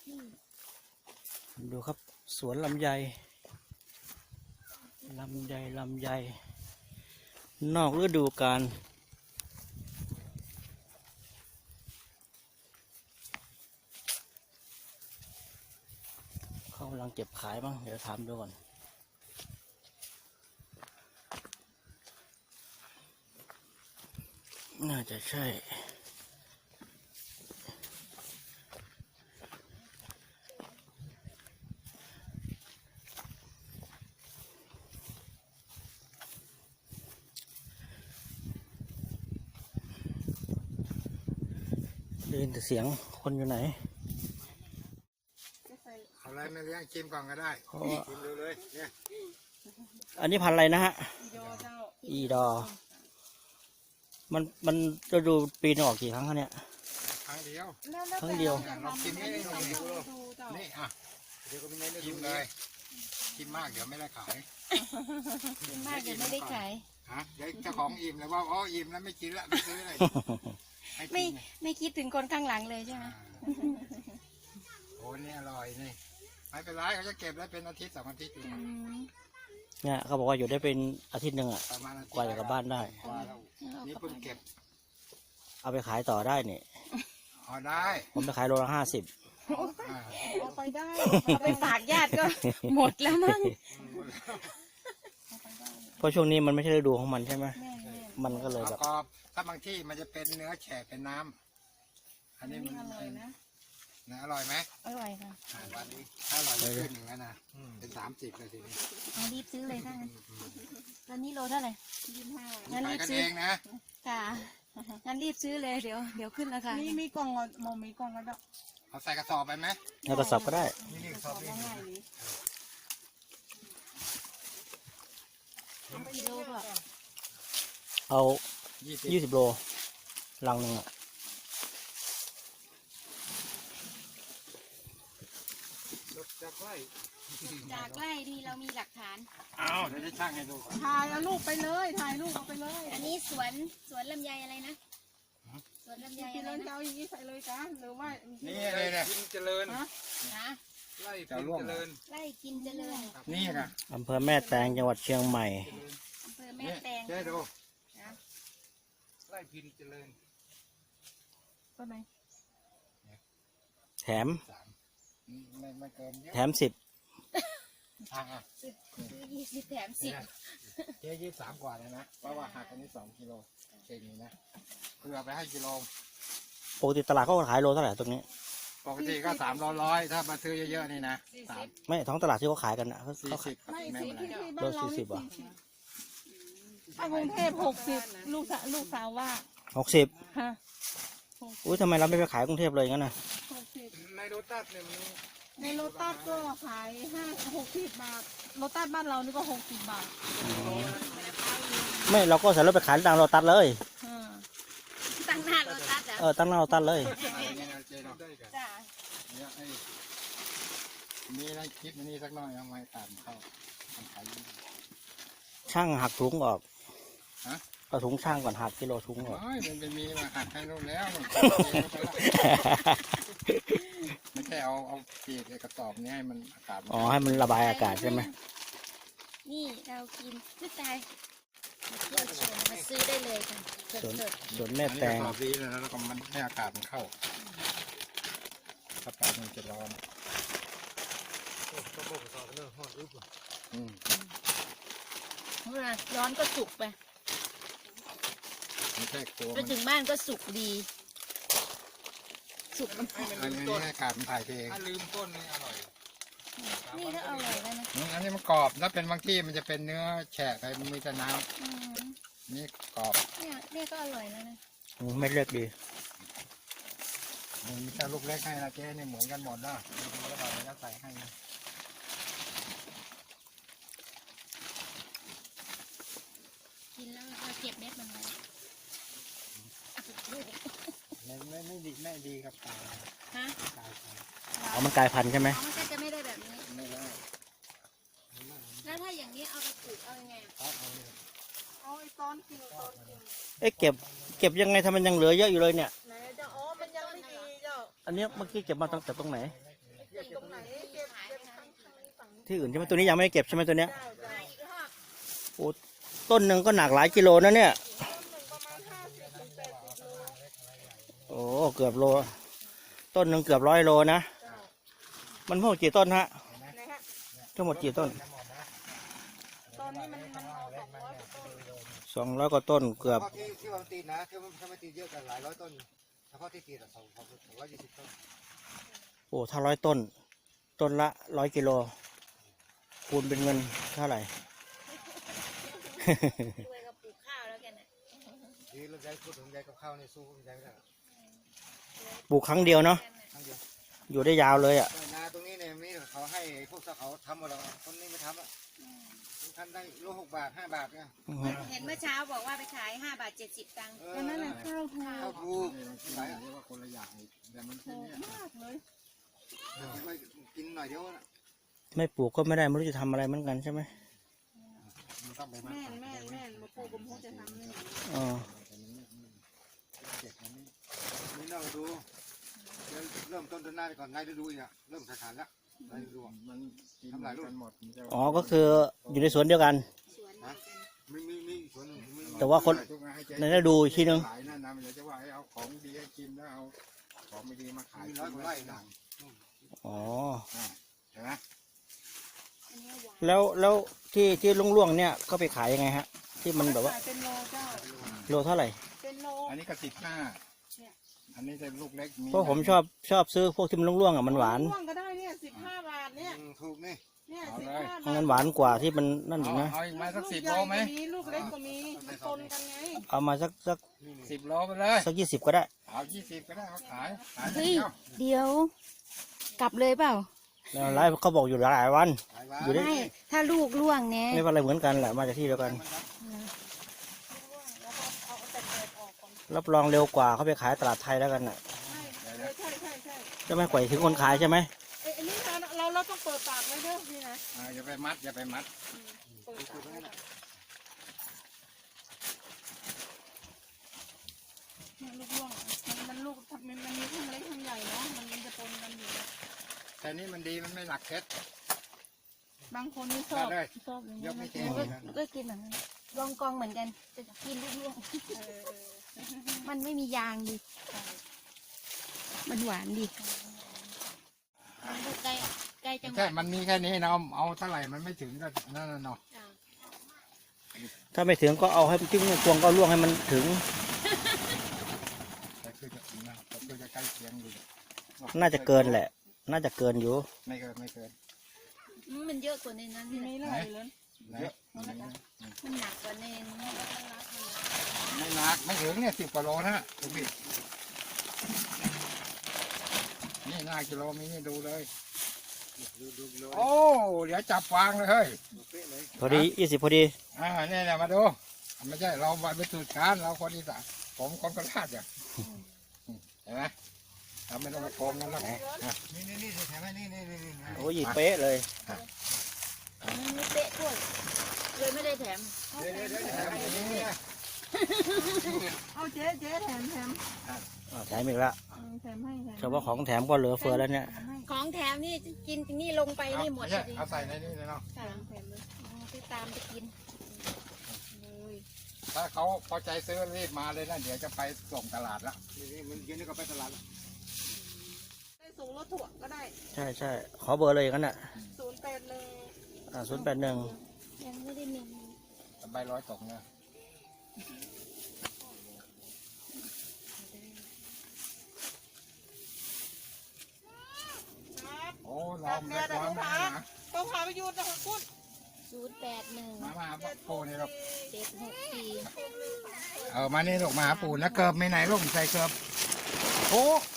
ดูครับสวนลำไยลำไยนอกฤดูกาลเขากำลังเก็บขายบ้างเดี๋ยวถามดูก่อนน่าจะใช่ได้ยินแต่เสียงคนอยู่ไหนเอาอะไรมาเลี้ยงชิมก่อนก็ได้ชิมดูเลยเนี่ยอันนี้พันธุ์อะไรนะฮะอีดอมันจะดูปีนึงออกกี่ครั้งคะเนี่ยครั้งเดียวครั้งเดียวลองชิมให้ดูนี่อ่ะเดี๋ยวก็ไม่ได้ชิมเลยชิมมากเดี๋ยวไม่ได้ขายกินมากเดี๋ยวไม่ได้ขายฮะเดี๋ยวเจ้าของอิ่มเลยว่าอ๋ออิ่มแล้วไม่กินละไม่ซื้อเลยไม่คิดถึงคนข้างหลังเลยใช่ไหมโอ้นี่อร่อยนี่ไม่เป็นไรเขาจะเก็บได้เป็นอาทิตย์2 อาทิตย์อยู่เนี่ยเขาบอกว่าอยู่ได้เป็นอาทิตย์หนึ่งอ่ะประมาณกว่าจะกลับบ้านได้กว่าแล้วนี่เพิ่งเก็บเอาไปขายต่อได้เนี่ยอ๋อได้ผมไปขายโลละ50 เอาไปได้เอาไปฝากญาติก็หมดแล้วมั้งเพราะช่วงนี้มันไม่ใช่ฤดูของมันใช่ไหมมันก็เลยแบแบบ บก็ถ้าบางที่มันจะเป็นเนื้อแฉะเป็นน้ำอันนี้มันอร่อยนะนะอร่อยไหมอร่อยค่ะวันนี้ถ้าอร่อยจะขึ้นหนึ่งแล้วนะเป็น30เลยทีนี้เอารีบซื้อเลยถ้างั้นตอนนี้โลเท่าไหร่25งั้นขารียบกันซื้เอองนะค่ะงั้นรีบซื้อเลยเดี๋ยวขึ้นราคามีกล่องมีกล่องแล้วดอกเอาใส่กระสอบไปไหมแล้วก็สับก็ได้นี่กระสอบนี่ง่ายเลยกิโลก็เอา 20 20 โลลังหนึ่งอ่ะจะใกล้จากไร่ที่เรามีหลักฐานอ้าวเดี๋ยวจะช่างให้ดูก่อนถ่ายเอาลูกไปเลยถ่ายลูกเอาไปเลยอันนี้สวนลำไยอะไรนะสวนลำไยกินอะไรแล้วจะนะเอาอย่างนี้ใส่เลยจ้ะหรือว่านี่เลยเนี่ยกินเจริญนะไล่จะกินร่วงเจริญไร่กินเจริญนี่นะอำเภอแม่แตงจังหวัดเชียงใหม่อำเภอแม่นี่แตงเจ๊ดูไล่กินเจริญก็ไหนแถมไม่เกินเยอะแถม10 อ่ะซื้อ20 แถม 10 เจ๊23 กว่าเลยนะเพราะว่าหักอันนี้2 กิโลเองนี่นะเพื่อไปให้กิโลปกติตลาดเขาขายโลเท่าไหร่ตรงนี้ปกติก็300ถ้ามาซื้อเยอะๆนี่นะไม่ท้องตลาดที่เขาขายกันอ่ะเขา 40 ขายครับไม่แม่สิเป็นไรที่บ้านเรา 40 อ่ะถ้ากรุงเทพ60ลูกสาวว่า 60 ฮะอุ้ยทำไมเราไม่ไปขายกรุงเทพเลยงั้นน่ะ 60 ในโรตัสเนี่ยมันในโลตัสก็ขาย60 บาทโลตัสบ้านเรานี่ก็60 บาทไม่เราก็ใส่รถไปขายตามโลตัสเลยอ่าตั้งหน้าโลตัสเหรอตั้งหน้าโลตัสเลยนี่นะเจ๊เนาะจ้าเนี่ยไอ้มีอะไรคลิปนี้สักหน่อยเอาไว้ตามเข้าทำขายช่างหักถุงออกฮะเอาถุงช่างก่อนหักกิโลถุงออกโอ้ยมันเป็นมีมาหักให้นู่นแล้วมันไม่ใช่เอาปีกไอ้กระสอบนี้ให้มันอากาศอ๋อให้มันระบายอากาศใช่ไหมนี่เรากินซื้อตายมาเที่ยวชมมาซื้อได้เลยค่ะสสวนดสวนแม่อันนี้แตกระงสอบดีเลยนะแล้วก็มันให้อากาศมันเข้าถ้าปากมันจะร้อนอืมๆเมื่อร้อนก็สุกไปไม่ใช่กลัวไปมันถึงบ้านก็สุกดี สุกมันอันนี้ให้อากาศมันถ่ายเทเองถ้าลืมต้นนี่อร่อยนี่ก็อร่อยแล้วนะอันนี้มันกรอบถ้าเป็นบางที่มันจะเป็นเนื้อแฉะไปมันมีแต่น้อืมำนี่กรอบเนี่ยก็อร่อยแล้วนะไม่เลือกดีมันมีแต่ลูกเล็กให้นะเจ๊นี่เหมือนกันหมดนะแล้วก็จะใส่ให้นะกินแล้วเราเก็บเม็ดมันไว้ไม่ดีครับตายฮะตายเอามันกลายพันธุ์ใช่ไหมอ๋อมันก็จะไม่ได้แบบนี้ไม่ได้แล้วถ้าอย่างนี้เอาไปปลูกเอายังไงอะเอาเลยเอาไอ้ตอนกินตอนกินเอ๊ะเก็บยังไงทำไมมันยังเหลือเยอะอยู่เลยเนี่ยไหนจะอ๋อมันยังไม่ดีเจ้าอันเนี้ยเมื่อกี้เก็บมาตั้งแต่ตรงไหนไอ้ตรงไหนเก็บข้างฝั่งที่อื่นใช่ไหมตัวนี้ยังไม่ได้เก็บใช่ไหมตัวเนี้ยเจ้ามาอีกรอบโอ้ต้นหนึ่งก็หนักหลายกิโลนะเนี่ยประมาณ50 ถึง 80 โลโอ้เกือบโล ต้นหนึ่งเกือบ100 โลนะมันทั้งหมดกี่ต้นฮะนะฮะทั้งหมดกี่ต้นตอนนี้มันเอา200 กว่าต้น 200 กว่าต้นเกือบเฉพาะที่ว่ามันตีนะที่มันไม่ตีเยอะกันหลายร้อยต้นเฉพาะที่ตีแต่220 ต้นโอ้ถ้า100 ต้น ต้นละ100 กิโลคูณเป็นเงินเท่าไหร่รวยกับปลูกข้าวแล้วแกน่ะที่เราใจพูดถึงใจกับข้าวนี่สู้ใจไม่ได้ปลูกครั้งเดียวเนาะครั้งเดียวอยู่ได้ยาวเลยอ่ะนาตรงนี้เนี่ยมีเขาให้พวกเขาทำหมดแล้วคนนี้ไม่ทำอ่ะท่านได้โล6 บาท 5 บาทเนี่ยเห็นเมื่อเช้าบอกว่าไปขาย5 บาท 70 ตังค์อันนั้นแหละข้าวถูกข้าวถูกไหนเรียกว่าคนละอย่างแต่มันถูกมากเลยกินหน่อยเดียวนะไม่ปลูกก็ไม่ได้ไม่รู้จะทำอะไรเหมือนกันใช่ไหมมันต้องไปมาแม่นมาปลูกผมคงจะทำนี่อ๋อเจ็บอันนี้นี่เราดูเริ่มต้นหน้าไปก่อนนายฤดูอีกอ่ะเริ่มขาดแล้วนายฤดูมันกินกันหมดมันจะอ๋อก็คืออยู่ในสวนเดียวกันสวนเดียวกันมีส่วนหนึ่งแต่ว่าคนในฤดูอีกทีนึงขายนั่นนะมันจะว่าให้เอาของดีให้กินแล้วเอาของไม่ดีมาขายมี100 กว่าไร่นะอ๋อเห็นไหมอันนี้หวานแล้วที่ล่วงๆเนี่ยก็ไปขายยังไงฮะ ที่มันแบบว่าขายเป็นโลเจ้าโลเท่าไหร่เป็นโลอันนี้ก็15อันนี้จะลูกเล็กเพราะผมชอบซื้อพวกที่มันล่วงๆอ่ะมันหวานม่วงก็ได้เนี่ย15 บาทเนี่ยถูกนี่เนี่ยเอา 15 เลยบาทมันหวานกว่าที่มันนั่นอีกนะเอาอีกมาสักลู 10 ใหโลญ่ไหมก็มีลูกเล็กก็มีมันปนกันไงเอามาสัก 10 โลไปเลย 20ก็ได้เอา20ก็ได้เอาขายเฮ้ยเดี๋ยว กลับเลยเปล่าแล้วไลฟ์เขาบอกอยู่หลายวัน อยู่ได้ไม่ถ้าลูกล่วงเนี่ยไม่เป็นไรเหมือนกันแหละมาจากที่เดียวกัน รับรองเร็วกว่าเขาไปขายตลาดไทยแล้วกันน่ะใช่จะไม่กว่าถึงคนขายใช่ไหมอันนี้เราต้องเปิดปากไว้เด้อพี่นะอย่าไปมัดอย่าไปมัดเปิดปากไว้เนี่ยลูกร่วงมันลูกมันมีทั้งเล็กทั้งใหญ่เนาะมันจะปนกันอยู่แต่นี่มันดีมันไม่หนักเพชรบางคนนี่ชอบได้ชอบอย่างยเงี้ยกไม่เทก็กินแบบนั้นลองกองเหมือนกันจะกินลูกล่วง มันไม่มียางดิมันหวานดิมันดูใกล้ใกล้จังหแค่วัดมันมีแค่นี้นะเอาเท่าไหร่มันไม่ถึงก็นั่นน่ะเนาะจ้ะถ้าไม่ถึงก็เอาให้จิ้มพวงก็ล่วงให้มันถึงแต่คือจะถึงนะแต่คือจะใกล้เคียงอยู่น่าจะเกินแหละ น่าจะเกินอยู่ไม่เกินไม่เกินมันเยอะกว่าในนั้นทีนี่นี้แหละเลยเลยเยอะมันหนักกว่าในนี้ไม่หนักไม่ถึงเนี่ย10 กว่าโลนะดูพี่นี่5 กิโลมีนี่ดูเลยโอ้เดี๋ยวจับวางเลยเฮ้ยพอดี20พอดีเนี่ยมาดูไม่ใช่เราไปสูตรการเราคนอีสานผมคนโคราชอ่ะเห็นไหมเราไม่ต้องมาโกงกันแล้วนี่แถมให้นี่โอ้ยเป๊ะเลยมันมีเป๊ะด้วยเลยไม่ได้แถมเดี๋ยวแถมให้นี่เอาเจ๊แถมแถมอีกแล้วแถมให้เฉพาะของแถมก็เหลือเฟือแล้วเนี่ยของแถมนี่กินนี่ลงไปนี่หมดไม่พใช่อดีเอาใส่ในนี่เลยเนาะค่ะที่ตามไปกินถ้าเขาพอใจซื้อรีบมาเลยนะเดี๋ยวจะไปส่งตลาดละนี่มันเย็นนี่ก็ไปตลาดได้ส่งรถถั่วก็ได้ใช่ขอเบอร์เลยอย่างนั้นน่ะ 081 081 ยังไม่ได้มีใบ100 ตกเนี่ยโอ้น้องเล็กน้องมาต้องพาไปยูนนะคะคุณ 081 มาโป้นี่ลูก 764 มานี่ลูกมาหาปู่นะเกิบไม่ไหนลูกใส่เกิบโอ้